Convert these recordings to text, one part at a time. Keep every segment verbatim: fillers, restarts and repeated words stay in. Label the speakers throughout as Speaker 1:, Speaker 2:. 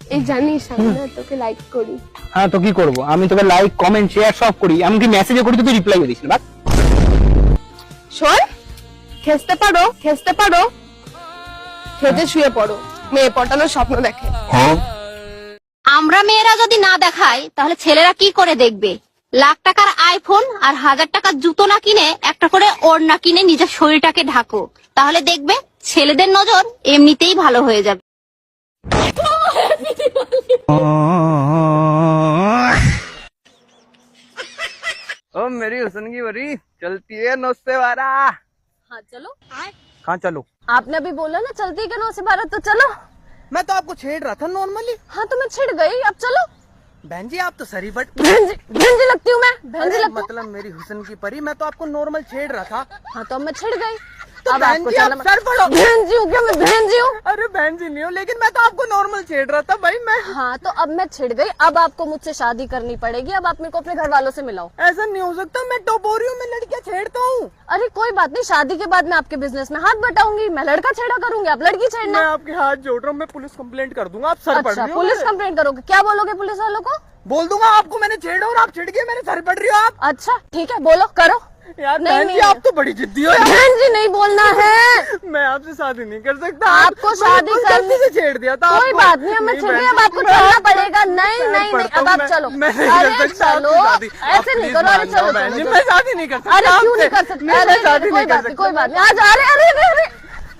Speaker 1: এই জানিস আমি না তোকে লাইক করি।
Speaker 2: হ্যাঁ তো কি করবো, আমি তোকে লাইক কমেন্ট শেয়ার সব করি, এমনকি মেসেজও করি, তো তুই রিপ্লাই দিস না।
Speaker 1: শোন, খেসতে পারো খেসতে পারো খেতে শুয়ে পড়ো, মেয়ে পটানোর স্বপ্ন দেখে।
Speaker 3: আমরা মেয়েরা যদি না দেখাই তাহলে ছেলেরা কি করে দেখবে? লাখ টাকার আইফোন আর হাজার টাকার জুতো না কিনে একটা করে ওড়না কিনে নিজের শরীরটাকে ঢাকো, তাহলে দেখবে ছেলেদের নজর এমনিতেই ভালো হয়ে যাবে।
Speaker 2: ओ मेरी हुस्न की बरी चलती है नौ से बारह।
Speaker 1: हाँ चलो।
Speaker 2: कहाँ चलो?
Speaker 1: आपने अभी बोला ना चलती है नौ से बारह, तो चलो।
Speaker 2: मैं तो आपको छेड़ रहा था नॉर्मली।
Speaker 1: हाँ तो मैं छिड़ गई, अब चलो।
Speaker 2: बहन जी आप तो सरी बट
Speaker 1: बहन जी बहन जी लगती हूँ मैं, बहन जी लगती हूँ।
Speaker 2: मतलब मेरी हुस्न की परी, मैं तो आपको नॉर्मल छेड़ रहा था।
Speaker 1: हाँ तो अब मैं छिड़ गई,
Speaker 2: तो
Speaker 1: अब
Speaker 2: बहन
Speaker 1: आपको
Speaker 2: जी
Speaker 1: चलना
Speaker 2: आप सर पड़ो।
Speaker 1: बहन जी हूँ क्या मैं? बहन जी हूँ।
Speaker 2: अरे बहन जी नहीं हो, लेकिन मैं तो आपको नॉर्मल छेड़ रहा था भाई मैं।
Speaker 1: हाँ तो अब मैं छिड़ गई, अब आपको मुझसे शादी करनी पड़ेगी, अब आप मेरे को अपने घर वालों से मिलाओ।
Speaker 2: ऐसा नहीं हो सकता, मैं टॉप हो रही हूँ, मैं लड़कियाँ छेड़ता हूँ।
Speaker 1: अरे कोई बात नहीं, शादी के बाद मैं आपके बिजनेस में हाथ बटाऊंगी, मैं लड़का छेड़ा करूंगी, आप लड़की छेड़ना।
Speaker 2: मैं आपके हाथ जोड़ रहा हूँ, मैं पुलिस कंप्लेंट कर दूंगा, आप सर पड़
Speaker 1: अच्छा
Speaker 2: रही हो।
Speaker 1: पुलिस कंप्लेंट करोगे? क्या बोलोगे पुलिस वालों को?
Speaker 2: बोल दूंगा आपको मैंने छेड़ा और आप छिड़ गए, मेरे सर पड़ रही हो आप।
Speaker 1: अच्छा ठीक है, बोलो करो।
Speaker 2: यार
Speaker 1: नहीं,
Speaker 2: बहन जी
Speaker 1: नहीं,
Speaker 2: आप तो बड़ी जिद्दी हो यार।
Speaker 1: बहन जी नहीं बोलना है।
Speaker 2: मैं आपसे शादी नहीं कर सकता।
Speaker 1: आपको शादी
Speaker 2: मैंने
Speaker 1: करनी
Speaker 2: से छेड़ दिया था
Speaker 1: कोई
Speaker 2: आपको।
Speaker 1: बात नहीं, अब मैं छिड़ गई, अब आपको चलना पड़ेगा। नहीं नहीं नहीं, अब आप चलो। अरे चलो, ऐसे नहीं करो, अरे चलो
Speaker 2: बहन जी
Speaker 1: चलो।
Speaker 2: मैं शादी नहीं कर सकता।
Speaker 1: अरे क्यों नहीं कर सकते? अरे
Speaker 2: शादी
Speaker 1: कोई
Speaker 2: नहीं कर
Speaker 1: बात नहीं, कोई बात नहीं, आज अरे अरे अरे अरे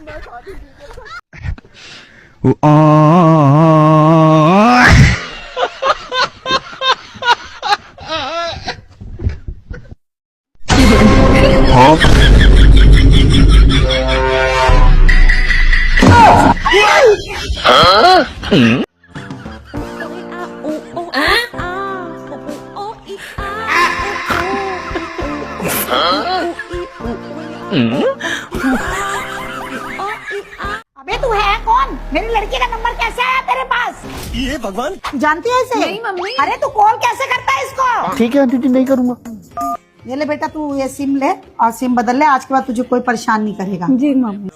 Speaker 4: अबे तू है कौन? मेरी लड़की का नंबर कैसे आया तेरे पास?
Speaker 5: ये भगवान
Speaker 4: जानती है इसे? नहीं मम्मी। अरे तू कॉल कैसे करता है इसको?
Speaker 2: ठीक है आंटी जी नहीं करूंगा।
Speaker 4: ये ले बेटा, तू ये सिम ले और सिम बदल ले, आज के बाद तुझे कोई परेशान नहीं करेगा। जी मम्मी।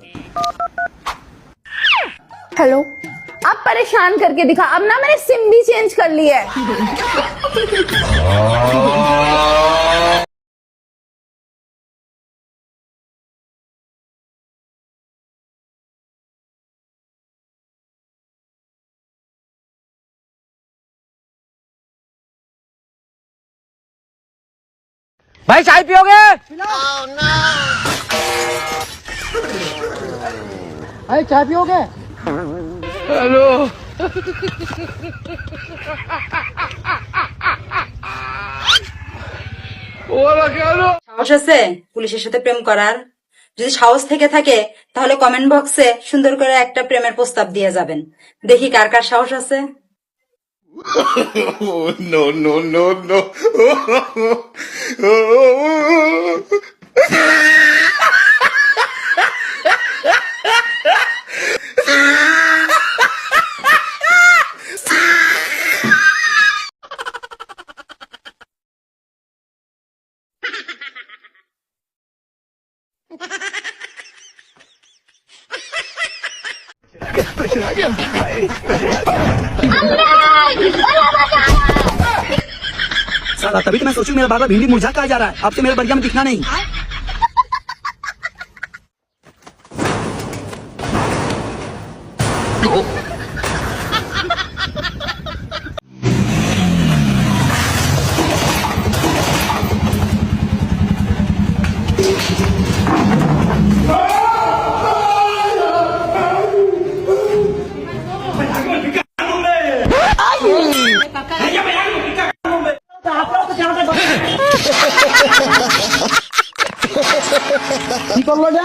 Speaker 1: हेलो, अब परेशान करके दिखा, अब ना मैंने सिम भी चेंज कर ली है।
Speaker 2: भाई चाय पियोगे? भाई चाय पियोगे? हेलो
Speaker 6: সাহস আছে পুলিশের সাথে প্রেম করার? যদি সাহস থেকে থাকে তাহলে কমেন্ট বক্সে সুন্দর করে একটা প্রেমের প্রস্তাব দিয়ে যাবেন, দেখি কার কার সাহস আছে।
Speaker 5: नो नो नो नो
Speaker 7: साला तभी तो मैं सोचूं मेरा बार बार भिंडी मुरझा कहा जा रहा है, अब से मेरे बढ़िया में दिखना नहीं।
Speaker 8: কি করলো যে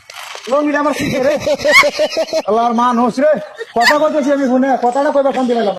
Speaker 8: লঙ্গিটা আমার শিখে রে আল্লাহর মান হোস রে কথা কইতেছি আমি ফোনে কথাটা কইবা ফোন দিলাম।